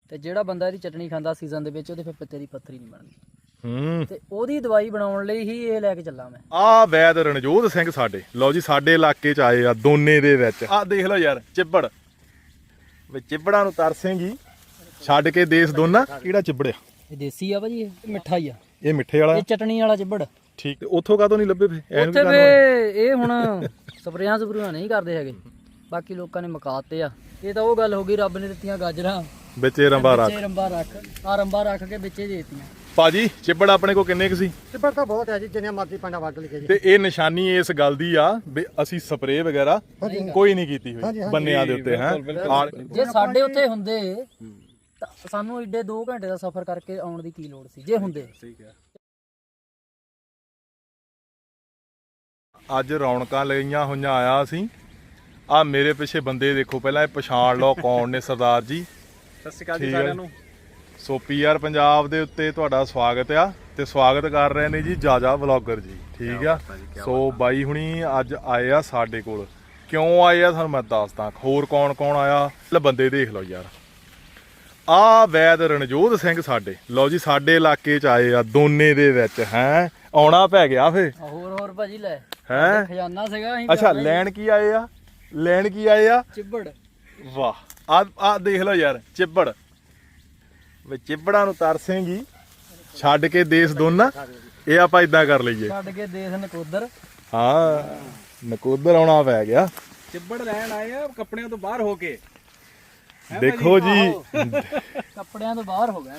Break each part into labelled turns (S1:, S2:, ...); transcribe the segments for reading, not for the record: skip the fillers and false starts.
S1: ਤੇ ਜਿਹੜਾ ਬੰਦਾ ਇਹਦੀ ਚਟਣੀ ਖਾਂਦਾ ਸੀਜ਼ਨ ਦੇ ਵਿੱਚ ਉਹਦੇ ਫਿਰ ਪਿੱਤੇ ਦੀ ਪੱਥਰੀ ਨਹੀਂ ਬਣਦੀ। ਤੇ ਉਹਦੀ ਦਵਾਈ ਬਣਾਉਣ ਲਈ ਹੀ ਇਹ ਲੈ ਕੇ ਚੱਲਾਂ ਮੈਂ।
S2: ਆ ਵੈਦ ਰਣਜੋਤ ਸਿੰਘ ਸਾਡੇ, ਲਓ ਜੀ ਸਾਡੇ ਇਲਾਕੇ ਚ ਆਏ ਆ ਦੋਨੇ ਦੇ ਵਿੱਚ। ਆ ਦੇਖ ਲਓ ਯਾਰ ਚਿੱਬੜ, ਵੀ ਚਿੱਬੜਾਂ ਨੂੰ ਤਰਸੇਂਗੀ ਛੱਡ ਕੇ ਦੇਸ ਦੋਨਾ। ਕਿਹੜਾ ਚਿੱਬੜਿਆ?
S1: ਇਹ ਦੇਸੀ ਆ ਭਾਜੀ, ਇਹ ਮਿੱਠਾ ਹੀ ਆ,
S2: ਇਹ ਮਿੱਠੇ ਵਾਲਾ
S1: ਇਹ ਚਟਣੀ ਵਾਲਾ ਚਿੱਬੜ।
S2: ਠੀਕ, ਉੱਥੋਂ ਕਾਹਤੋਂ ਨਹੀਂ ਲੱਭੇ ਫੇ?
S1: ਉੱਥੇ ਫੇ ਇਹ ਹੁਣ ਸਪਰੇਆਂ ਸਪਰੂਆਂ ਨਹੀਂ ਕਰਦੇ ਹੈਗੇ, ਬਾਕੀ ਲੋਕਾਂ ਨੇ ਮਕਾਤੇ ਆ। ਇਹ ਤਾਂ ਉਹ ਗੱਲ ਹੋ ਗਈ, ਰੱਬ ਨੇ ਦਿੱਤੀਆਂ ਗਾਜਰਾਂ
S2: ਵਿੱਚ ਰੰਬਾ ਰੱਖ,
S1: ਰੰਬਾ ਰੱਖ, ਆ ਰੰਬਾ ਰੱਖ ਕੇ ਵਿੱਚੇ ਦੇਤੀਆਂ।
S2: ਭਾਜੀ ਚਿੱਬੜ ਆਪਣੇ ਕੋ ਕਿੰਨੇ ਕੁ ਸੀ?
S3: ਚਿੱਬੜ ਤਾਂ ਬਹੁਤ ਹੈ ਜੀ, ਜਿੰਨੇ ਮਰਜ਼ੀ ਪੰਡਾ ਵੱਢ ਲਈਏ ਜੀ।
S2: ਤੇ ਇਹ ਨਿਸ਼ਾਨੀ ਇਸ ਗੱਲ ਦੀ ਆ ਵੀ ਅਸੀਂ ਸਪਰੇਅ ਵਗੈਰਾ ਕੋਈ ਨਹੀਂ ਕੀਤੀ ਹੋਈ ਬੰਨਿਆਂ ਦੇ ਉੱਤੇ ਹੈ।
S1: ਜੇ ਸਾਡੇ ਉੱਥੇ ਹੁੰਦੇ ਤਾਂ ਸਾਨੂੰ ਏਡੇ 2 ਘੰਟੇ ਦਾ ਸਫ਼ਰ ਕਰਕੇ ਆਉਣ ਦੀ ਕੀ ਲੋੜ ਸੀ ਜੇ ਹੁੰਦੇ।
S2: ਠੀਕ ਹੈ। ਅੱਜ ਰੌਣਕਾਂ ਲਈਆਂ ਹੋਈਆਂ ਆਇਆ ਅਸੀਂ। ਆ ਮੇਰੇ ਪਿੱਛੇ ਬੰਦੇ ਦੇਖੋ, ਪਹਿਲਾਂ ਇਹ ਪਛਾਣ ਲਓ ਕੌਣ ਨੇ। ਸਰਦਾਰ ਜੀ
S4: ਸਤਿ ਸ਼੍ਰੀ ਅਕਾਲ ਜੀ ਸਾਰਿਆਂ ਨੂੰ।
S2: ਸੋ ਪੀਆਰ ਪੰਜਾਬ ਦੇ ਉੱਤੇ ਤੁਹਾਡਾ ਸਵਾਗਤ ਆ, ਤੇ ਸਵਾਗਤ ਕਰ ਰਹੇ ਨੇ ਜੀ ਜਾਜਾ ਵਲੌਗਰ ਜੀ। ਠੀਕ ਆ। ਸੋ ਬਾਈ ਹੁਣੀ ਅੱਜ ਆਏ ਆ ਸਾਡੇ ਕੋਲ। ਕਿਉਂ ਆਏ ਆ ਤੁਹਾਨੂੰ ਮੈਂ ਦੱਸਦਾ। ਹੋਰ ਕੌਣ ਕੌਣ ਆਇਆ, ਲੈ ਬੰਦੇ ਦੇਖ ਲਓ ਯਾਰ। ਆ ਵੈਦ ਰਣਜੋਤ ਸਿੰਘ ਸਾਡੇ, ਲਓ ਜੀ ਸਾਡੇ ਇਲਾਕੇ ਚ ਆਏ ਆ ਦੋਨੇ ਦੇ ਵਿੱਚ। ਹੈ ਆਉਣਾ ਪੈ ਗਿਆ ਫੇ।
S1: ਹੋਰ ਭਾਜੀ ਲੈ
S2: ਹੈ
S1: ਖਜ਼ਾਨਾ ਸੀਗਾ ਅਸੀਂ।
S2: ਅੱਛਾ ਲੈਣ ਕੀ ਆਏ ਆ? ਲੈਣ ਕੀ ਆਏ ਆ?
S1: ਚਿੱਬੜ।
S2: ਵਾਹ, ਆ ਦੇਖ ਲਓ ਯਾਰ ਚਿੱਬੜ, ਵੀ ਚਿੱਬੜਾਂ ਨੂੰ ਤਰਸੇਂਗੀ ਛੱਡ ਕੇ ਦੇਸ ਦੋਨਾ। ਇਹ ਆਪਾਂ ਇਦਾਂ ਕਰ ਲਈਏ,
S1: ਛੱਡ ਕੇ ਦੇਸ ਨਕੋਦਰ।
S2: ਹਾਂ ਨਕੋਦਰ ਆਉਣਾ ਪੈ ਗਿਆ।
S4: ਚਿੱਬੜ ਲੈਣ ਆਏ ਆ ਕੱਪੜਿਆਂ ਤੋਂ ਬਾਹਰ ਹੋ ਕੇ।
S2: ਦੇਖੋ ਜੀ
S1: ਕੱਪੜਿਆਂ ਤੋਂ ਬਾਹਰ ਹੋ ਗਿਆ।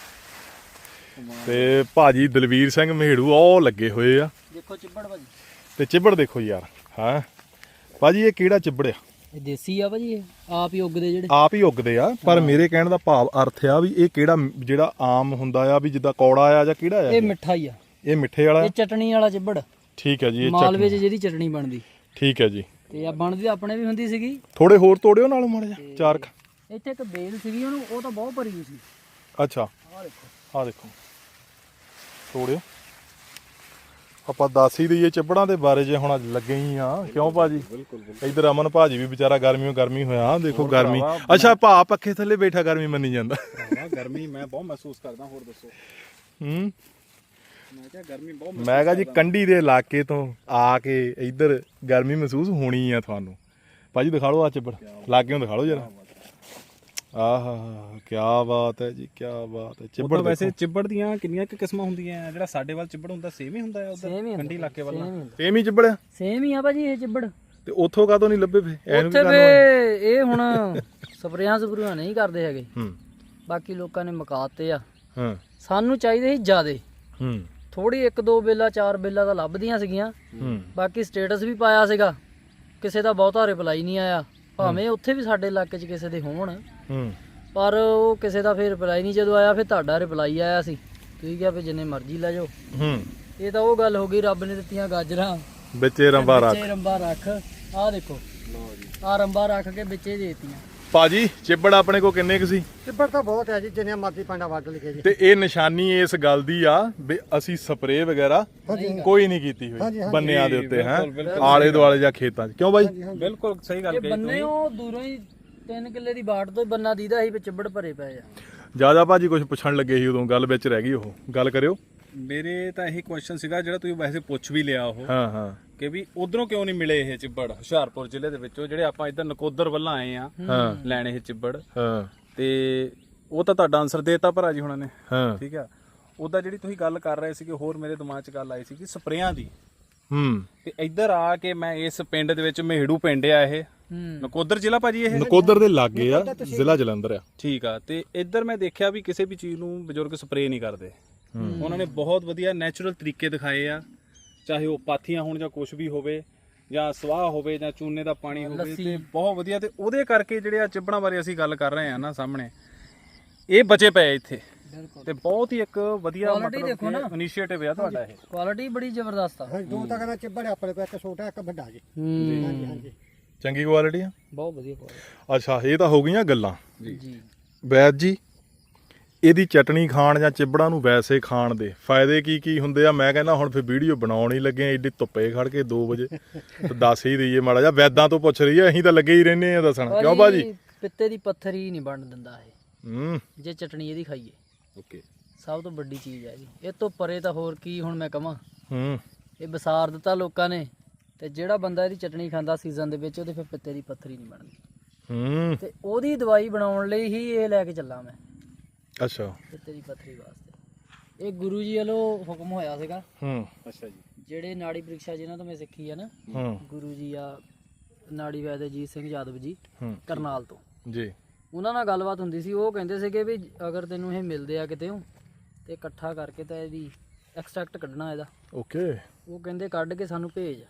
S2: ਤੇ ਭਾਜੀ ਦਲਵੀਰ ਸਿੰਘ ਮਹੇੜੂ ਉਹ ਲੱਗੇ ਹੋਏ ਆ।
S1: ਦੇਖੋ ਚਿੱਬੜ ਭਾਜੀ,
S2: ਤੇ ਚਿੱਬੜ ਦੇਖੋ ਯਾਰ। ਹਾਂ ਭਾਜੀ ਇਹ ਕਿਹੜਾ ਚਿੱਬੜ ਆ?
S1: ਇਹ ਦੇਸੀ ਆ ਭਾਜੀ, ਇਹ ਆਪ ਹੀ ਉੱਗਦੇ ਜਿਹੜੇ।
S2: ਆਪ ਹੀ ਉੱਗਦੇ ਆ, ਪਰ ਮੇਰੇ ਕਹਿਣ ਦਾ ਭਾਵ ਅਰਥ ਆ ਵੀ ਇਹ ਕਿਹੜਾ, ਜਿਹੜਾ ਆਮ ਹੁੰਦਾ ਆ ਵੀ ਜਿੱਦਾਂ ਕੌੜਾ ਆ ਜਾਂ ਕਿਹੜਾ ਆ?
S1: ਇਹ ਮਿੱਠਾ ਹੀ ਆ,
S2: ਇਹ ਮਿੱਠੇ ਵਾਲਾ।
S1: ਇਹ ਚਟਣੀ ਵਾਲਾ ਚਿੱਬੜ।
S2: ਠੀਕ ਹੈ ਜੀ। ਇਹ
S1: ਮਾਲਵੇ 'ਚ ਜਿਹਦੀ ਚਟਣੀ ਬਣਦੀ।
S2: ਠੀਕ ਹੈ ਜੀ।
S1: ਤੇ ਆ ਬਣਦੀ ਆਪਣੇ ਵੀ ਹੁੰਦੀ ਸੀਗੀ।
S2: ਥੋੜੇ ਹੋਰ ਤੋੜਿਓ ਨਾਲ ਮਾੜਾ ਜਿਹਾ ਚਾਰ ਕ।
S1: ਇੱਥੇ ਇੱਕ ਬੇਲ ਸੀਗੀ, ਉਹਨੂੰ ਉਹ ਤਾਂ ਬਹੁਤ ਭਰੀ ਹੋਈ ਸੀ।
S2: ਅੱਛਾ
S1: ਆਹ ਦੇਖੋ,
S2: ਆਹ ਦੇਖੋ ਤੋੜਿਓ। ਆਪਾਂ ਦੱਸ ਹੀ ਦਈਏ ਚਿੱਬੜਾਂ ਦੇ ਬਾਰੇ ਜੇ ਹੁਣ ਲੱਗੇ ਹੀ ਆ। ਕਿਉਂ ਭਾਜੀ? ਇਧਰ ਅਮਨ ਭਾਜੀ ਵੀ ਵਿਚਾਰਾ ਗਰਮੀ ਹੋਇਆ। ਦੇਖੋ ਗਰਮੀ। ਅੱਛਾ ਭਾ ਪੱਖੇ ਥੱਲੇ ਬੈਠਾ ਗਰਮੀ ਮੰਨੀ ਜਾਂਦਾ।
S4: ਗਰਮੀ ਮੈਂ ਬਹੁਤ ਮਹਿਸੂਸ ਕਰਦਾ। ਹੋਰ ਦੱਸੋ। ਮੈਂ ਕਿਹਾ ਗਰਮੀ ਬਹੁਤ।
S2: ਮੈਂ ਕਿਹਾ ਜੀ ਕੰਢੀ ਦੇ ਇਲਾਕੇ ਤੋਂ ਆ ਕੇ ਇੱਧਰ ਗਰਮੀ ਮਹਿਸੂਸ ਹੋਣੀ ਆ ਤੁਹਾਨੂੰ। ਭਾਜੀ ਦਿਖਾ ਲਓ ਆ ਚਿੱਬੜ, ਲਾਗਿਓਂ ਦਿਖਾ ਲਓ ਜਰਾ। ਆਹਾ ਕੀ ਬਾਤ ਹੈ ਜੀ, ਕੀ ਬਾਤ ਹੈ। ਚਿੱਬੜ
S4: ਵੈਸੇ ਚਿੱਬੜ ਦੀਆਂ ਕਿੰਨੀਆਂ ਕੁ ਕਿਸਮਾਂ ਹੁੰਦੀਆਂ? ਜਿਹੜਾ ਸਾਡੇ ਵੱਲ ਚਿੱਬੜ ਹੁੰਦਾ ਸੇਮ ਹੀ ਹੁੰਦਾ ਹੈ ਉਧਰ ਕੰਢੀ ਇਲਾਕੇ ਵੱਲ?
S2: ਸੇਮ ਹੀ ਚਿੱਬੜ ਆ।
S1: ਸੇਮ ਹੀ ਆ ਭਾਜੀ ਇਹ ਚਿੱਬੜ।
S2: ਤੇ ਉੱਥੋਂ ਕਾਹਤੋਂ ਨਹੀਂ ਲੱਭੇ ਫੇ?
S1: ਉੱਥੇ ਫੇ ਇਹ ਹੁਣ ਸਪਰੇਆਂ ਸਪਰੂਆਂ ਨਹੀਂ ਕਰਦੇ ਹੈਗੇ, ਬਾਕੀ ਲੋਕਾਂ ਨੇ ਮਕਾਤੇ ਆ। ਸਾਨੂੰ ਚਾਹੀਦੇ ਸੀ ਜ਼ਿਆਦੇ। ਥੋੜੀ 1-2 ਬੇਲਾ 4 ਬੇਲਾ ਤਾਂ ਲੱਭਦੀਆਂ ਸੀਗੀਆਂ। ਬਾਕੀ ਸਟੇਟਸ ਵੀ ਪਾਇਆ ਸੀਗਾ, ਕਿਸੇ ਦਾ ਬਹੁਤਾ ਰਿਪਲਾਈ ਨਹੀਂ ਆਇਆ। ਭਾਵੇਂ ਉੱਥੇ ਵੀ ਸਾਡੇ ਇਲਾਕੇ 'ਚ ਕਿਸੇ ਦੇ ਹੋਣ, ਪਰ ਉਹ ਕਿਸੇ ਦਾ ਫਿਰ ਰਿਪਲਾਈ ਨਹੀਂ। ਜਦੋਂ ਆਇਆ ਫਿਰ ਤੁਹਾਡਾ ਰਿਪਲਾਈ ਆਇਆ ਸੀ, ਤੁਸੀਂ ਕਿਹਾ ਵੀ ਜਿੰਨੇ ਮਰਜ਼ੀ ਲੈ ਜਾਓ। ਇਹ ਤਾਂ ਉਹ ਗੱਲ ਹੋ ਗਈ, ਰੱਬ ਨੇ ਦਿੱਤੀਆਂ ਗਾਜਰਾਂ
S2: ਵਿੱਚੇ ਰੰਬਾ ਰੱਖ,
S1: ਰੰਬਾ ਰੱਖ। ਆਹ ਦੇਖੋ, ਆ ਰੰਬਾ ਰੱਖ ਕੇ ਵਿੱਚੇ ਦੇਤੀਆਂ।
S2: ਭਾਜੀ ਚਿੱਬੜ ਆਪਣੇ ਕੋ ਕਿੰਨੇ ਕੁ ਸੀ?
S3: ਚਿੱਬੜ ਤਾਂ ਬਹੁਤ ਹੈ ਜੀ, ਜਿੰਨੇ ਮਰਜ਼ੀ ਪੰਡਾ ਵੱਢ ਲਈਏ ਜੀ।
S2: ਤੇ ਇਹ ਨਿਸ਼ਾਨੀ ਇਸ ਗੱਲ ਦੀ ਆ ਵੀ ਅਸੀਂ ਸਪਰੇਅ ਵਗੈਰਾ ਕੋਈ ਨਹੀਂ ਕੀਤੀ ਹੋਈ ਬੰਨਿਆਂ ਦੇ ਉੱਤੇ ਹੈ, ਆਲੇ ਦੁਆਲੇ ਜਾਂ ਖੇਤਾਂ 'ਚ। ਕਿਉਂ ਬਾਈ?
S4: ਬਿਲਕੁਲ ਸਹੀ ਗੱਲ ਕਹੀ
S1: ਬੰਨੇ ਉਹ ਦੂਰੋਂ ਹੀ 3 ਕਿੱਲੇ ਦੀ ਬਾੜ ਤੋਂ ਬੰਨਾ ਦੀਦਾ ਸੀ ਵੀ ਚਿੱਬੜ ਭਰੇ ਪਏ ਆ।
S2: ਜਿਆਦਾ ਭਾਜੀ ਕੁਝ ਪੁੱਛਣ ਲੱਗੇ ਸੀ ਉਦੋਂ, ਗੱਲ ਵਿੱਚ ਰਹਿ ਗਈ। ਉਹ ਗੱਲ ਕਰਿਓ।
S4: ਮੇਰੇ ਤਾਂ ਇਹੀ ਕੁਐਸਚਨ ਸੀਗਾ ਜਿਹੜਾ ਤੁਸੀਂ ਵੈਸੇ ਪੁੱਛ ਵੀ ਲਿਆ ਉਹ,
S2: ਹਾਂ
S4: ਕਿ ਵੀ ਉਧਰੋਂ ਕਿਉਂ ਨਹੀਂ ਮਿਲੇ ਇਹ ਚਿੱਬੜ ਹੁਸ਼ਿਆਰਪੁਰ ਜ਼ਿਲ੍ਹੇ ਦੇ ਵਿੱਚੋਂ, ਜਿਹੜੇ ਆਪਾਂ ਇੱਧਰ ਨਕੋਦਰ ਵੱਲੋਂ ਆਏ ਆ ਲੈਣ ਇਹ ਚਿੱਬੜ। ਤੇ ਉਹ ਤਾਂ ਤੁਹਾਡਾ ਆਨਸਰ ਦੇਤਾ ਭਰਾ ਜੀ ਹੁਣਾਂ ਨੇ। ਠੀਕ ਆ। ਉਹਦਾ ਜਿਹੜੀ ਤੁਸੀਂ ਗੱਲ ਕਰ ਰਹੇ ਸੀਗੇ, ਹੋਰ ਮੇਰੇ ਦਿਮਾਗ 'ਚ ਗੱਲ ਆਈ ਸੀ ਕਿ ਸਪਰੇਆਂ ਦੀ। ਤੇ ਇੱਧਰ ਆ ਕੇ ਮੈਂ ਇਸ ਪਿੰਡ ਦੇ ਵਿੱਚ ਮਹੇੜੂ ਪਿੰਡ ਆ ਇਹ, ਨਕੋਦਰ ਜ਼ਿਲ੍ਹਾ ਭਾਜੀ। ਇਹ
S2: ਨਕੋਦਰ ਦੇ ਲਾਗੇ ਆ, ਜ਼ਿਲ੍ਹਾ ਜਲੰਧਰ ਆ।
S4: ਠੀਕ ਆ। ਤੇ ਇੱਧਰ ਮੈਂ ਦੇਖਿਆ ਵੀ ਕਿਸੇ ਵੀ ਚੀਜ਼ ਨੂੰ ਬਜ਼ੁਰਗ ਸਪਰੇਅ ਨਹੀਂ ਕਰਦੇ। ਉਹਨਾਂ ਨੇ ਬਹੁਤ ਵਧੀਆ ਨੈਚੁਰਲ ਤਰੀਕੇ ਦਿਖਾਏ ਆ, ਚਾਹੇ ਉਹ ਪਾਥੀਆਂ ਹੋਣ ਜਾਂ ਕੁਝ ਵੀ ਹੋਵੇ, ਜਾਂ ਸਵਾਹ ਹੋਵੇ ਜਾਂ ਚੂਨੇ ਦਾ ਪਾਣੀ ਹੋਵੇ, ਤੇ ਬਹੁਤ ਵਧੀਆ। ਤੇ ਉਹਦੇ ਕਰਕੇ ਜਿਹੜੇ ਆ ਚਿੱਬੜਾਂ ਬਾਰੇ ਅਸੀਂ ਗੱਲ ਕਰ ਰਹੇ ਆ ਨਾ ਸਾਹਮਣੇ, ਇਹ ਬਚੇ ਪਏ ਇੱਥੇ। ਤੇ ਬਹੁਤ ਹੀ ਇੱਕ ਵਧੀਆ ਮਤਲਬ ਇਨੀਸ਼ੀਏਟਿਵ ਆ ਤੁਹਾਡਾ। ਇਹ
S1: ਕੁਆਲਿਟੀ ਬੜੀ ਜ਼ਬਰਦਸਤ ਆ।
S3: 2 ਤਾਂ ਕਹਿੰਦਾ ਚਿੱਬੜ ਆਪਣੇ ਕੋਲ, ਇੱਕ ਛੋਟਾ ਇੱਕ ਵੱਡਾ ਜੀ। ਹਾਂਜੀ ਹਾਂਜੀ,
S2: ਚੰਗੀ ਕੁਆਲਿਟੀ ਆ,
S1: ਬਹੁਤ ਵਧੀਆ ਕੁਆਲਿਟੀ।
S2: ਅੱਛਾ ਇਹ ਤਾਂ ਹੋ ਗਈਆਂ ਗੱਲਾਂ
S1: ਜੀ।
S2: ਵੈਦ ਜੀ ਇਹਦੀ ਚਟਣੀ ਖਾਣ ਜਾਂ ਚਿੱਬੜਾਂ ਨੂੰ ਵੈਸੇ ਖਾਣ ਦੇ ਫਾਇਦੇ ਕੀ ਹੁੰਦੇ ਆ? ਮੈਂ ਕਹਿੰਦਾ ਹੁਣ ਫਿਰ ਵੀਡੀਓ ਬਣਾਉਣ ਹੀ ਲੱਗੇ ਆ, ਏਡੀ ਧੁੱਪੇ ਖੜ ਕੇ 2 ਵਜੇ। ਤੇ ਦੱਸ ਹੀ ਦਈਏ ਮਾੜਾ ਜਿਹਾ, ਵੈਦਾਂ ਤੋਂ ਪੁੱਛ ਰਹੀ ਆ, ਅਸੀਂ ਤਾਂ ਲੱਗੇ ਹੀ ਰਹਿੰਦੇ ਆ ਦੱਸਣ। ਕਿਉਂ ਭਾਜੀ?
S1: ਪਿੱਤੇ ਦੀ ਪੱਥਰੀ ਨਹੀਂ ਬਣ ਦਿੰਦਾ ਇਹ। ਜੇ ਚਟਣੀ ਇਹਦੀ ਖਾਈਏ।
S4: ਓਕੇ,
S1: ਸਭ ਤੋਂ ਵੱਡੀ ਚੀਜ਼ ਹੈ ਜੀ, ਇਹ ਤੋਂ ਪਰੇ ਤਾਂ ਹੋਰ ਕੀ ਹੁਣ ਮੈਂ ਕਹਾਂ।
S2: ਹੂੰ
S1: ਇਹ ਵਿਸਾਰ ਦਿੱਤਾ ਲੋਕਾਂ ਨੇ, ਤੇ ਜਿਹੜਾ ਬੰਦਾ ਇਹਦੀ ਚਟਣੀ ਖਾਂਦਾ ਸੀਜ਼ਨ ਦੇ ਵਿੱਚ, ਉਹਦੇ ਫਿਰ ਪਿੱਤੇ ਦੀ ਪੱਥਰੀ ਨਹੀਂ ਬਣਦੀ।
S2: ਹੂੰ
S1: ਤੇ ਉਹਦੀ ਦਵਾਈ ਬਣਾਉਣ ਲਈ ਹੀ ਇਹ ਲੈ ਕੇ ਚੱਲਾਂ ਮੈਂ,
S2: ਅੱਛਾ
S1: ਪਿੱਤੇ ਦੀ ਪੱਥਰੀ ਵਾਸਤੇ। ਇਹ ਗੁਰੂ ਜੀ ਵੱਲੋਂ ਹੁਕਮ ਹੋਇਆ ਸੀਗਾ।
S2: ਹੂੰ
S4: ਅੱਛਾ ਜੀ,
S1: ਜਿਹੜੇ ਨਾੜੀ ਪ੍ਰੀਖਿਆ ਜਿਨ੍ਹਾਂ ਤੋਂ ਮੈਂ ਸਿੱਖੀ ਆ ਨਾ,
S2: ਹੂੰ
S1: ਗੁਰੂ ਜੀ ਆ ਨਾੜੀ ਵੈਦ ਅਜੀਤ ਸਿੰਘ ਯਾਦਵ ਜੀ
S2: ਹੂੰ
S1: ਕਰਨਾਲ ਤੋਂ,
S2: ਜੀ
S1: ਉਹਨਾਂ ਨਾਲ ਗੱਲਬਾਤ ਹੁੰਦੀ ਸੀ। ਉਹ ਕਹਿੰਦੇ ਸੀਗੇ ਵੀ ਅਗਰ ਤੈਨੂੰ ਇਹ ਮਿਲਦੇ ਆ ਕਿਤੇ ਤੇ ਇਕੱਠਾ ਕਰਕੇ ਤਾਂ ਇਹਦੀ ਐਕਸਟ੍ਰੈਕਟ ਕੱਢਣਾ ਇਹਦਾ।
S2: ਓਕੇ
S1: ਉਹ ਕਹਿੰਦੇ ਕੱਢ ਕੇ ਸਾਨੂੰ ਭੇਜ।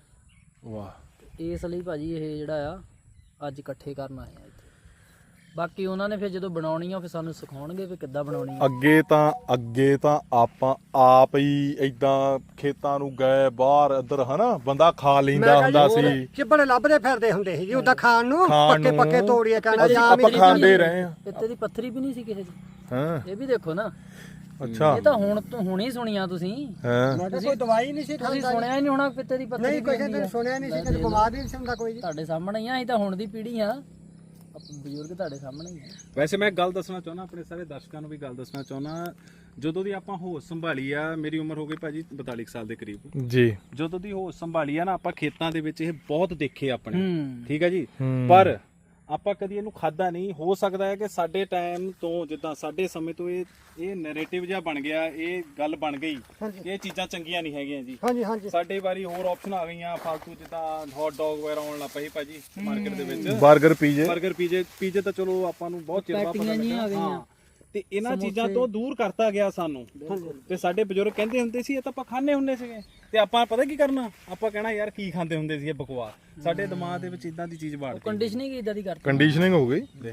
S2: ਵਾਹ
S1: ਇਸ ਲਈ ਭਾਜੀ ਇਹ ਜਿਹੜਾ ਆ ਅੱਜ ਇਕੱਠੇ ਕਰਨ ਆਏ ਆ ਇੱਥੇ। ਬਾਕੀ ਉਹਨਾਂ ਨੇ ਫਿਰ ਜਦੋਂ ਬਣਾਉਣੀ ਆ ਫਿਰ ਸਾਨੂੰ ਸਿਖਾਉਣਗੇ ਵੀ ਕਿੱਦਾਂ ਬਣਾਉਣੀ ਆ।
S2: ਅੱਗੇ ਤਾਂ ਆਪਾਂ ਆਪ ਹੀ ਏਦਾਂ ਖੇਤਾਂ ਨੂੰ ਗਏ ਬਾਹਰ ਇੱਧਰ ਹਨਾ, ਬੰਦਾ ਖਾ ਲੈਂਦਾ ਹੁੰਦਾ ਸੀ।
S3: ਚਿੱਬੜ ਲੱਭਦੇ ਫਿਰਦੇ ਹੁੰਦੇ ਸੀ ਜੀ ਉਦਾਂ ਖਾਣ ਨੂੰ,
S2: ਖਾਣ
S3: ਪੱਕੇ
S2: ਨੂੰ।
S3: ਪੱਕੇ ਤੋੜੀਏ ਕਹਿਣਾ
S2: ਅਸੀਂ
S3: ਜਾਂ
S2: ਆਪਾਂ ਖਾਂਦੇ ਰਹੇ ਆ।
S1: ਪਿੱਤੇ ਦੀ ਪੱਥਰੀ ਵੀ ਨਹੀਂ ਸੀ ਕਿਸੇ ਦੀ।
S2: ਹਾਂ
S1: ਇਹ ਵੀ ਦੇਖੋ ਨਾ,
S2: ਅੱਛਾ
S1: ਇਹ ਤਾਂ ਹੁਣ ਹੀ ਸੁਣੀਆਂ ਤੁਸੀਂ।
S2: ਹਾਂ
S3: ਮੈਂ ਕਿਹਾ ਕੋਈ ਦਵਾਈ ਨਹੀਂ ਸੀ
S1: ਤੁਸੀਂ ਸੁਣਿਆ ਹੀ ਨਹੀਂ ਹੋਣਾ ਪਿੱਤੇ ਦੀ ਪੱਥਰੀ
S3: ਨਹੀਂ, ਕੋਈ
S1: ਕੀ ਹੁੰਦੀ
S3: ਕਹਿੰਦੇ
S1: ਆ।
S3: ਸੁਣਿਆ ਨਹੀਂ ਸੀ, ਕਦੇ ਬਿਮਾਰ ਨਹੀਂ ਸੀ ਹੁੰਦਾ ਕੋਈ ਜੀ।
S1: ਤੁਹਾਡੇ ਸਾਹਮਣੇ ਹੀ ਆ, ਅਸੀਂ ਤਾਂ ਹੁਣ ਦੀ ਪੀੜ੍ਹੀ ਆ, ਆਪਾਂ ਬਜ਼ੁਰਗ ਤੁਹਾਡੇ ਸਾਹਮਣੇ ਹੀ ਆ।
S4: ਵੈਸੇ ਮੈਂ ਗੱਲ ਦੱਸਣਾ ਚਾਹੁੰਦਾ, ਆਪਣੇ ਸਾਰੇ ਦਰਸ਼ਕਾਂ ਨੂੰ ਵੀ ਗੱਲ ਦੱਸਣਾ ਚਾਹੁੰਦਾ। ਜਦੋਂ ਦੀ ਆਪਾਂ ਹੋਸ਼ ਸੰਭਾਲੀ ਆ, ਮੇਰੀ ਉਮਰ ਹੋ ਗਈ ਭਾਜੀ 42 ਸਾਲ ਦੇ ਕਰੀਬ।
S2: ਜੀ
S4: ਜਦੋਂ ਦੀ ਹੋਸ਼ ਸੰਭਾਲੀ ਆ ਨਾ, ਆਪਾਂ ਖੇਤਾਂ ਦੇ ਵਿੱਚ ਇਹ ਬਹੁਤ ਦੇਖੇ ਆਪਣੇ,
S1: ਹੂੰ
S4: ਠੀਕ ਹੈ ਜੀ। ਪਰ ਆਪਾਂ ਕਦੀ ਇਹਨੂੰ ਖਾਦਾ ਨਹੀਂ। ਹੋ ਸਕਦਾ ਹੈ ਕਿ ਸਾਡੇ ਟਾਈਮ ਤੋਂ, ਜਿੱਦਾਂ ਸਾਡੇ ਸਮੇਂ ਤੋਂ ਇਹ ਨੈਰੇਟਿਵ ਜਿਹਾ ਬਣ ਗਿਆ, ਇਹ ਗੱਲ ਬਣ ਗਈ ਕਿ ਇਹ ਚੀਜ਼ਾਂ ਚੰਗੀਆਂ ਨਹੀਂ ਹੈਗੀਆਂ ਜੀ।
S3: ਹਾਂਜੀ ਹਾਂਜੀ
S4: ਸਾਡੇ ਵਾਰੀ ਹੋਰ ਆਪਸ਼ਨ ਆ ਗਈਆਂ ਫਾਲਤੂ, ਜਿੱਦਾਂ ਹੌਟ ਡੌਗ ਵਗੈਰਾ ਆਉਣ ਲੱਗ ਪਈ ਭਾਜੀ ਮਾਰਕੀਟ ਦੇ ਵਿੱਚ।
S2: 버ਗਰ ਪੀਜੇ
S4: 버ਗਰ ਪੀਜੇ ਤਾਂ ਚਲੋ ਆਪਾਂ ਨੂੰ ਬਹੁਤ ਚਿਰ ਬਾਅਦ ਪਤਾ
S1: ਪੈਟੀਆਂ ਜਿਹੀਆਂ ਆ
S4: ਲੱਗਾ।
S1: ਗਈਆਂ।
S4: ਤੇ ਇਹਨਾਂ ਚੀਜ਼ਾਂ ਤੋਂ ਦੂਰ ਕਰਤਾ ਗਿਆ ਸਾਨੂੰ। ਤੇ ਸਾਡੇ ਬਜ਼ੁਰਗ ਕਹਿੰਦੇ ਹੁੰਦੇ ਸੀ ਇਹ ਤਾਂ ਆਪਾਂ ਖਾਣੇ ਹੁੰਦੇ ਸੀਗੇ, ਤੇ ਆਪਾਂ ਪਤਾ ਕੀ ਕਰਨਾ, ਆਪਾਂ ਕਹਿਣਾ ਯਾਰ ਕੀ ਖਾਂਦੇ ਹੁੰਦੇ ਸੀ ਇਹ ਬਕਵਾਸ। ਸਾਡੇ ਦਿਮਾਗ ਦੇ ਵਿੱਚ ਇਦਾਂ ਦੀ ਚੀਜ਼ ਬਾੜ ਗਈ।
S1: ਕੰਡੀਸ਼ਨਿੰਗ ਇਦਾਂ ਦੀ ਕਰਤੀ।
S2: ਕੰਡੀਸ਼ਨਿੰਗ ਹੋ ਗਈ।
S4: ਦੇਖ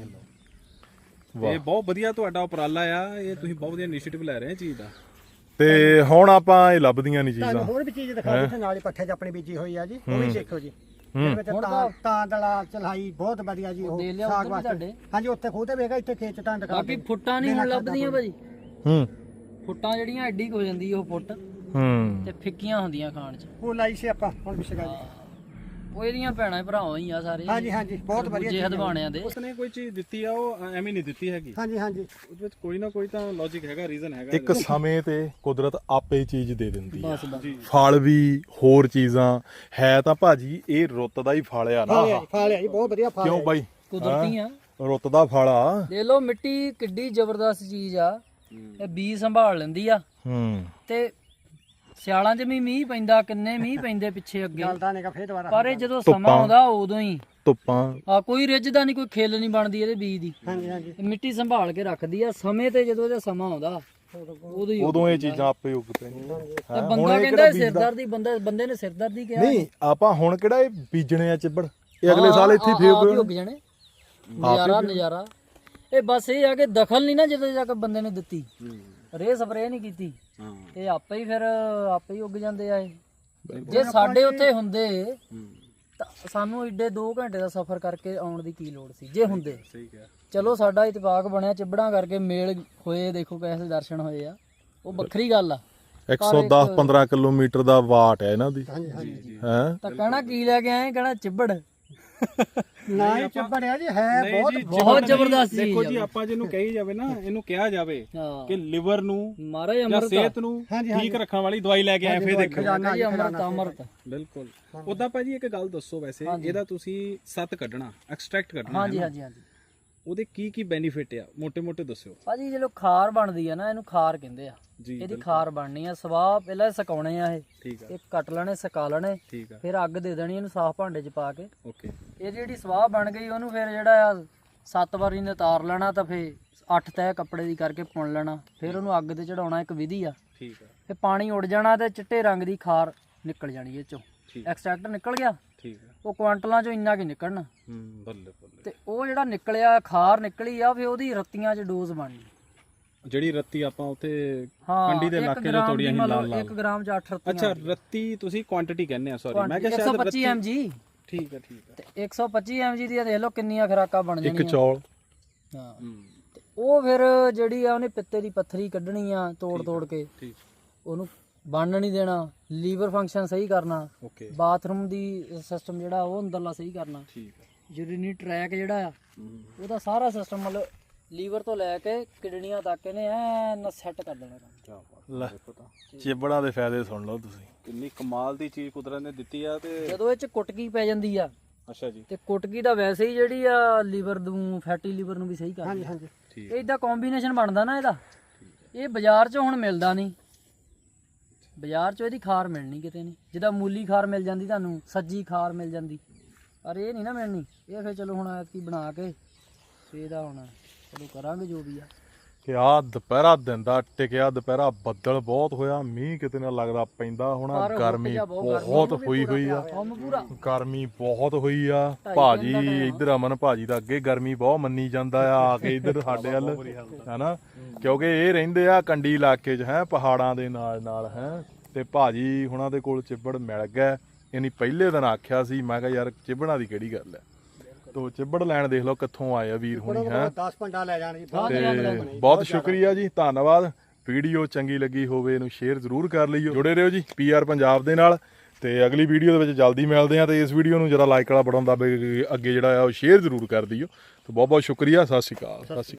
S4: ਲਓ, ਇਹ ਬਹੁਤ ਵਧੀਆ ਤੁਹਾਡਾ ਉਪਰਾਲਾ ਆ। ਇਹ ਤੁਸੀਂ ਬਹੁਤ ਵਧੀਆ ਇਨੀਸ਼ੀਏਟਿਵ ਲੈ ਰਹੇ ਆ ਚੀਜ਼ ਦਾ।
S2: ਤੇ ਹੁਣ ਆਪਾਂ ਇਹ ਲੱਭਦੀਆਂ ਨਹੀਂ
S3: ਤੁਹਾਨੂੰ
S2: ਚੀਜ਼ਾਂ।
S3: ਹੋਰ ਵੀ ਚੀਜ਼ ਦਿਖਾ ਦਿੱਤੀ, ਨਾਲ ਹੀ ਪੱਠੇ 'ਚ ਆਪਣੀ ਬੀਜੀ ਹੋਈ ਆ ਜੀ, ਉਹ ਵੀ ਦੇਖੋ ਜੀ। ਇਹਦੇ ਵਿੱਚ ਤਾਂ ਦਲਾ ਚਲਾਈ ਬਹੁਤ ਵਧੀਆ ਜੀ। ਉਹ
S1: ਦੇ ਲਿਆ
S3: ਸਾਗ
S1: ਉੱਧਰ ਵੀ
S3: ਵਾਸਤੇ
S1: ਤੁਹਾਡੇ।
S3: ਹਾਂਜੀ, ਉੱਥੇ ਖੂਹ ਤੇ ਵੇਖਾ, ਇੱਥੇ ਖੇਤ 'ਚ ਤਾਂ ਦਿਖਾ
S1: ਬਾਕੀ ਫੁੱਟਾਂ ਨਹੀਂ ਹੁਣ ਲੱਭਦੀਆਂ ਭਾਜੀ।
S2: ਹੂੰ
S1: ਫੁੱਟਾਂ ਜਿਹੜੀਆਂ ਐਡੀ ਕੁ ਹੋ ਜਾਂਦੀ ਉਹ ਫੁੱਟ,
S2: ਹੂੰ
S1: ਤੇ ਫਿੱਕੀਆਂ ਹੁੰਦੀਆਂ ਖਾਣ 'ਚ।
S3: ਉਹ ਲਾਈ ਸੀ ਆਪਾਂ ਹੁਣ ਪਿਛਗਾ ਜੀ।
S1: ਉਹ ਇਹਦੀਆਂ ਭੈਣਾਂ ਭਰਾਵਾਂ ਹੀ ਆ ਸਾਰੇ।
S3: ਹਾਂਜੀ ਹਾਂਜੀ, ਬਹੁਤ ਵਧੀਆ
S1: ਜੇ
S3: ਚੀਜ਼ ਆ।
S1: ਹਦਵਾਣਿਆਂ ਦੇ।
S4: ਉਸਨੇ ਕੋਈ ਚੀਜ਼ ਦਿੱਤੀ ਆ, ਉਹ ਐਵੇਂ ਨਹੀਂ ਦਿੱਤੀ ਹੈਗੀ।
S3: ਹਾਂਜੀ ਹਾਂਜੀ,
S4: ਉਹਦੇ ਵਿੱਚ ਕੋਈ ਨਾ ਕੋਈ ਤਾਂ ਲੌਜੀਕ ਹੈਗਾ, ਰੀਜ਼ਨ ਹੈਗਾ।
S2: ਇੱਕ ਸਮੇਂ ਤੇ ਕੁਦਰਤ ਆਪੇ ਚੀਜ਼ ਦੇ ਦਿੰਦੀ ਆ।
S1: ਬਸ ਬਸ।
S2: ਫਲ ਵੀ ਹੋਰ ਚੀਜ਼ਾਂ ਹੈ ਤਾਂ ਭਾਜੀ ਇਹ ਰੁੱਤ ਦਾ ਹੀ ਫਲ ਆ ਨਾ ਆਹ।
S3: ਫਲ ਆ ਜੀ, ਬਹੁਤ ਵਧੀਆ ਫਲ
S2: ਕਿਉਂ
S3: ਆ।
S2: ਬਾਈ,
S1: ਕੁਦਰਤੀ ਆ।
S2: ਰੁੱਤ ਦਾ ਫਲ ਆ।
S1: ਦੇਖ ਲਓ ਮਿੱਟੀ ਕਿੱਡੀ ਜ਼ਬਰਦਸਤ ਚੀਜ਼ ਆ। ਇਹ ਬੀਜ ਸੰਭਾਲ ਲੈਂਦੀ ਆ।
S2: ਹੂੰ
S1: ਤੇ ਸਿਆਲਾਂ 'ਚ ਵੀ ਮੀਂਹ ਪੈਂਦਾ, ਕਿੰਨੇ ਮੀਂਹ ਪੈਂਦੇ ਪਿੱਛੇ ਅੱਗੇ।
S3: ਗਲਦਾ ਨੇਗਾ ਫੇਰ ਦੁਬਾਰਾ।
S1: ਪਰ ਇਹ ਜਦੋਂ ਸਮਾਂ ਆਉਂਦਾ ਉਦੋਂ ਹੀ
S2: ਧੁੱਪਾਂ
S1: ਆ, ਕੋਈ ਰਿੱਝਦਾ ਨਹੀਂ, ਕੋਈ ਖੇਲ ਨਹੀਂ ਬਣਦੀ ਇਹਦੇ ਬੀਜ ਦੀ।
S3: ਹਾਂਜੀ ਹਾਂਜੀ,
S1: ਇਹ ਮਿੱਟੀ ਸੰਭਾਲ ਕੇ ਰੱਖਦੀ ਆ। ਸਮੇਂ ਤੇ ਜਦੋਂ ਇਹਦਾ ਸਮਾਂ ਆਉਂਦਾ ਉਦੋਂ ਹੀ
S2: ਉਦੋਂ ਇਹ ਚੀਜ਼ਾਂ ਆਪੇ ਉੱਗ ਪੈਣੀਆਂ।
S1: ਤੇ ਬੰਦਾ ਕਹਿੰਦਾ ਸਿਰਦਰਦੀ, ਬੰਦੇ ਨੇ ਸਿਰਦਰਦੀ ਕਿਹਾ।
S2: ਨਹੀਂ ਆਪਾਂ ਹੁਣ ਕਿਹੜਾ ਇਹ ਬੀਜਣੇ ਆ ਚਿੱਬੜ, ਇਹ ਅਗਲੇ ਸਾਲ ਇੱਥੇ ਫੇਰ
S1: ਆਪ ਹੀ ਉੱਗ ਜਾਣੇ। ਨਜ਼ਾਰਾ। ਇਹ ਬਸ ਇਹ ਆ ਕਿ ਦਖਲ ਨਹੀਂ ਨਾ ਜਦੋਂ ਜਾ ਕੇ ਬੰਦੇ ਨੇ ਦਿੱਤੀ, ਰੇ ਸਪਰੇ ਨਹੀਂ ਕੀਤੀ, ਇਹ ਆਪੇ ਹੀ ਫਿਰ ਆਪੇ ਹੀ ਉੱਗ ਜਾਂਦੇ ਆ। ਇਹ ਜੇ ਸਾਡੇ ਉੱਥੇ ਹੁੰਦੇ ਤਾਂ ਸਾਨੂੰ ਏਡੇ 2 ਘੰਟੇ ਦਾ ਸਫ਼ਰ ਕਰਕੇ ਆਉਣ ਦੀ ਕੀ ਲੋੜ ਸੀ ਜੇ ਹੁੰਦੇ।
S4: ਠੀਕ ਹੈ।
S1: ਚਲੋ ਸਾਡਾ ਇਤਫਾਕ ਬਣਿਆ, ਚਿੱਬੜਾਂ ਕਰਕੇ ਮੇਲ ਹੋਏ, ਦੇਖੋ ਕੈਸੇ ਦਰਸ਼ਨ ਹੋਏ ਆ, ਉਹ ਵੱਖਰੀ ਗੱਲ ਆ।
S2: 110-15 ਕਿਲੋਮੀਟਰ ਦਾ ਵਾਟ ਹੈ ਇਹਨਾਂ ਦੀ।
S3: ਹਾਂਜੀ ਹਾਂਜੀ,
S2: ਹੈ
S1: ਤਾਂ ਕਹਿਣਾ ਕੀ ਲੈ ਕੇ ਆਏ, ਕਹਿਣਾ ਚਿੱਬੜ।
S3: ਨਾ ਹੀ ਚੱਬੜਿਆ ਜੀ, ਹੈ
S4: ਨਹੀਂ
S3: ਬਹੁਤ
S4: ਜੀ,
S1: ਬਹੁਤ ਜ਼ਬਰਦਸਤ ਚੀਜ਼
S4: ਦੇਖੋ
S1: ਆ।
S4: ਜੀ, ਆਪਾਂ ਜਿਹਨੂੰ ਕਹੀ ਜਾਵੇ ਨਾ, ਇਹਨੂੰ ਕਿਹਾ ਜਾਵੇ
S1: ਹਾਂ
S4: ਕਿ ਲਿਵਰ ਨੂੰ
S1: ਮਹਾਰਾਜ
S4: ਜਾਂ
S1: ਅਮਰਤ
S4: ਸਿਹਤ ਨੂੰ ਠੀਕ ਰੱਖਣ ਵਾਲੀ ਦਵਾਈ ਲੈ ਕੇ ਆਏ, ਫੇਰ ਦੇਖੋ।
S3: ਖਜ਼ਾਨਾ ਜੀ,
S1: ਅਮਰਤ ਅਮਰਤ।
S4: ਬਿਲਕੁਲ। ਉਦਾਂ ਭਾਜੀ ਇੱਕ ਗੱਲ ਦੱਸੋ, ਵੈਸੇ ਇਹਦਾ ਤੁਸੀਂ ਸੱਤ ਕੱਢਣਾ, ਐਕਸਟ੍ਰੈਕਟ ਕੱਢਣਾ,
S1: ਹਾਂਜੀ ਹਾਂਜੀ ਹਾਂਜੀ।
S4: ਉਹਦੇ ਕੀ ਬੈਨੀਫਿਟ ਆ, ਮੋٹے-ਮੋٹے ਦੱਸਿਓ
S1: ਭਾਜੀ ਜਦੋਂ ਖਾਰ ਬਣਦੀ ਆ ਨਾ, ਇਹਨੂੰ ਖਾਰ ਕਹਿੰਦੇ ਆ।
S4: ਜੀ।
S1: ਇਹਦੀ ਖਾਰ ਬਣਨੀ ਆ। ਸਵਾਹ ਪਹਿਲਾਂ ਸੁਕਾਉਣੇ ਆ
S4: ਠੀਕ ਆ,
S1: ਇਹ ਕੱਟ ਲੈਣੇ, ਸੁਕਾ ਲੈਣੇ,
S4: ਠੀਕ ਆ,
S1: ਫਿਰ ਅੱਗ ਦੇ ਦੇਣੀ ਇਹਨੂੰ ਸਾਫ਼ ਭਾਂਡੇ 'ਚ ਪਾ ਕੇ।
S4: ਓਕੇ।
S1: ਇਹ ਜਿਹੜੀ ਸਵਾਹ ਬਣ ਗਈ ਉਹਨੂੰ ਫਿਰ ਜਿਹੜਾ ਆ 7 ਵਾਰੀ ਨੇ ਤਾਰ ਲੈਣਾ, ਤਾਂ ਫਿਰ 8 ਤਹਿ ਕੱਪੜੇ ਦੀ ਕਰਕੇ ਪੁਣ ਲੈਣਾ, ਫਿਰ ਉਹਨੂੰ ਅੱਗ ਤੇ ਚੜਾਉਣਾ। ਇੱਕ ਵਿਧੀ ਆ।
S4: ਠੀਕ ਆ,
S1: ਫਿਰ ਪਾਣੀ ਉੱਡ ਜਾਣਾ ਤੇ ਚਿੱਟੇ ਰੰਗ ਦੀ ਖਾਰ ਨਿਕਲ ਜਾਣੀ ਇਹ ਚੋਂ।
S4: ਠੀਕ।
S1: ਐਕਸਟ੍ਰੈਕਟ ਨਿਕਲ ਗਿਆ,
S4: ਠੀਕ ਆ।
S1: ਉਹ ਕੁਆਂਟਲਾਂ ਚੋਂ ਇੰਨਾ ਕੀ ਨਿਕਲਣਾ।
S4: ਬੱਲੇ ਬੱਲੇ।
S1: ਤੇ ਉਹ ਜਿਹੜਾ ਨਿਕਲਿਆ ਖਾਰ ਨਿਕਲੀ ਆ, ਫਿਰ ਉਹਦੀ ਰੱਤੀਆਂ 'ਚ ਡੋਜ਼ ਬਣਨੀ।
S4: ਜਿਹੜੀ ਰੱਤੀ ਆਪਾਂ ਉੱਥੇ
S1: ਹਾਂ,
S4: ਕੰਡੀ ਦੇ ਇਲਾਕੇ ਤੋਂ ਤੋੜੀਆਂ ਸੀ ਲਾਲ
S1: 1 ਗ੍ਰਾਮ 'ਚ 8 ਰੱਤੀਆਂ।
S4: ਅੱਛਾ, ਰੱਤੀ ਤੁਸੀਂ ਕੁਆਂਟੀਟੀ ਕਹਿੰਦੇ ਆ, ਸੌਰੀ ਮੈਂ ਕਿਹਾ ਸ਼ਾਇਦ
S1: 125 mg।
S4: ਠੀਕ ਆ, ਠੀਕ ਆ।
S1: ਤੇ 125 mg ਦੀਆਂ ਦੇਖ ਲਓ ਕਿੰਨੀਆਂ ਖੁਰਾਕਾਂ ਬਣ ਜਾਣੀਆਂ।
S2: ਇੱਕ ਚੌਲ।
S1: ਹਾਂ, ਤੇ ਉਹ ਫਿਰ ਜਿਹੜੀ ਆ ਉਹਨੇ ਪਿੱਤੇ ਦੀ ਪੱਥਰੀ ਕੱਢਣੀ ਆ, ਤੋੜ ਕੇ
S4: ਠੀਕ।
S1: ਉਹਨੂੰ ਬਣਨ ਨਹੀਂ ਦੇਣਾ, ਲੀਵਰ ਫੰਕਸ਼ਨ ਸਹੀ ਕਰਨਾ,
S4: ਓਕੇ।
S1: ਬਾਥਰੂਮ ਦੀ ਸਿਸਟਮ ਜਿਹੜਾ ਉਹ ਅੰਦਰਲਾ ਸਹੀ ਕਰਨਾ,
S4: ਠੀਕ ਆ।
S1: ਯੂਰੀਨੀ ਟਰੈਕ ਜਿਹੜਾ ਆ ਉਹਦਾ ਸਾਰਾ ਸਿਸਟਮ ਮਤਲਬ ਲੀਵਰ ਤੋਂ ਲੈ ਕੇ ਕਿਡਨੀਆਂ ਤੱਕ ਇਹਨੇ ਐਨ ਸੈੱਟ ਕਰ ਦੇਣਾ ਕੰਮ।
S2: ਲੈ ਚਿਬੜਾਂ ਦੇ ਫਾਇਦੇ ਸੁਣ ਲਓ ਤੁਸੀਂ।
S4: ਕਿੰਨੀ ਕਮਾਲ ਦੀ ਚੀਜ਼ ਕੁਦਰਤ ਨੇ ਦਿੱਤੀ ਆ। ਤੇ
S1: ਜਦੋਂ ਇਹ ਚ ਕੁਟਕੀ ਪੈ ਜਾਂਦੀ ਆ,
S4: ਅੱਛਾ ਜੀ,
S1: ਤੇ ਕੁਟਕੀ ਦਾ ਵੈਸੇ ਹੀ ਜਿਹੜੀ ਆ ਲੀਵਰ ਨੂੰ, ਫੈਟੀ ਲੀਵਰ ਨੂੰ ਵੀ ਸਹੀ ਕਰਦੀ ਆ।
S4: ਠੀਕ
S1: ਇਹ ਇਦਾਂ ਕੰਬੀਨੇਸ਼ਨ ਬਣਦਾ ਨਾ ਇਹਦਾ। ਇਹ ਬਾਜ਼ਾਰ 'ਚ ਹੁਣ ਮਿਲਦਾ ਨਹੀਂ, ਬਾਜ਼ਾਰ 'ਚ ਇਹਦੀ ਖਾਰ ਮਿਲਣੀ ਕਿਤੇ ਨਹੀਂ। ਜਿੱਦਾਂ ਮੂਲੀ ਖਾਰ ਮਿਲ ਜਾਂਦੀ ਤੁਹਾਨੂੰ, ਸੱਜੀ ਖਾਰ ਮਿਲ ਜਾਂਦੀ, ਪਰ ਇਹ ਨਹੀਂ ਨਾ ਮਿਲਣੀ। ਇਹ ਫਿਰ ਚਲੋ ਹੁਣ ਐਤਕੀ ਬਣਾ ਕੇ ਤੇ ਇਹਦਾ ਹੁਣ ਚਲੋ ਕਰਾਂਗੇ ਜੋ ਵੀ ਆ।
S2: ਕਿ ਆ ਦੁਪਹਿਰਾ ਦਿਨ ਦਾ ਟਿਕਿਆ, ਦੁਪਹਿਰਾ ਬੱਦਲ ਬਹੁਤ ਹੋਇਆ, ਮੀਂਹ ਕਿਤੇ ਨਾ ਲੱਗਦਾ ਪੈਂਦਾ ਹੋਣਾ।
S1: ਪਰ
S2: ਗਰਮੀ
S1: ਹੁੱਕ ਜਾ
S2: ਬਹੁਤ ਹੋਈ ਹੋਈ ਆ,
S1: ਕੰਮ ਪੂਰਾ
S2: ਗਰਮੀ ਬਹੁਤ ਹੋਈ ਆ। ਭਾਜੀ ਇੱਧਰ ਅਮਨ ਭਾਜੀ ਦਾ ਅੱਗੇ ਗਰਮੀ ਬਹੁਤ ਮੰਨੀ ਜਾਂਦਾ ਆ ਕੇ ਇੱਧਰ ਸਾਡੇ ਵੱਲ, ਹੈਨਾ, ਕਿਉਂਕਿ ਇਹ ਰਹਿੰਦੇ ਆ ਕੰਡੀ ਇਲਾਕੇ 'ਚ ਹੈ, ਪਹਾੜਾਂ ਦੇ ਨਾਲ ਨਾਲ ਹੈ। ਤੇ ਭਾਜੀ ਹੁਣਾਂ ਦੇ ਕੋਲ ਚਿੱਬੜ ਮਿਲ ਗਿਆ। ਇਹਨੀ ਪਹਿਲੇ ਦਿਨ ਆਖਿਆ ਸੀ, ਮੈਂ ਕਿਹਾ ਯਾਰ ਚਿੱਬੜਾਂ ਦੀ ਕਿਹੜੀ ਗੱਲ ਹੈ। ਤੋ ਚਿੱਬੜ ਲੈਣ ਦੇਖ ਲਓ ਕਿੱਥੋਂ ਆਏ ਆ ਵੀਰ ਹੁਣੀ ਹੈ।
S3: 10 ਪੰਡਾ ਲੈ ਜਾਣ ਜੀ।
S2: ਤੇ ਬਹੁਤ ਸ਼ੁਕਰੀਆ ਜੀ, ਧੰਨਵਾਦ। ਵੀਡੀਓ ਚੰਗੀ ਲੱਗੀ ਹੋਵੇ ਇਹਨੂੰ ਸ਼ੇਅਰ ਜ਼ਰੂਰ ਕਰ ਲਈਓ। ਜੁੜੇ ਰਹੋ ਜੀ PR ਪੰਜਾਬ ਦੇ ਨਾਲ, ਤੇ ਅਗਲੀ ਵੀਡੀਓ ਦੇ ਵਿੱਚ ਜਲਦੀ ਮਿਲਦੇ ਆ। ਤੇ ਇਸ ਵੀਡੀਓ ਨੂੰ ਜਰਾ ਲਾਈਕ ਵਾਲਾ ਬਟਨ ਦੱਬ ਕੇ ਅੱਗੇ ਜਿਹੜਾ ਆ ਉਹ ਸ਼ੇਅਰ ਜ਼ਰੂਰ ਕਰ ਦਿਓ। ਤੇ ਬਹੁਤ ਬਹੁਤ ਸ਼ੁਕਰੀਆ। ਸਤਿ ਸ਼੍ਰੀ ਅਕਾਲ।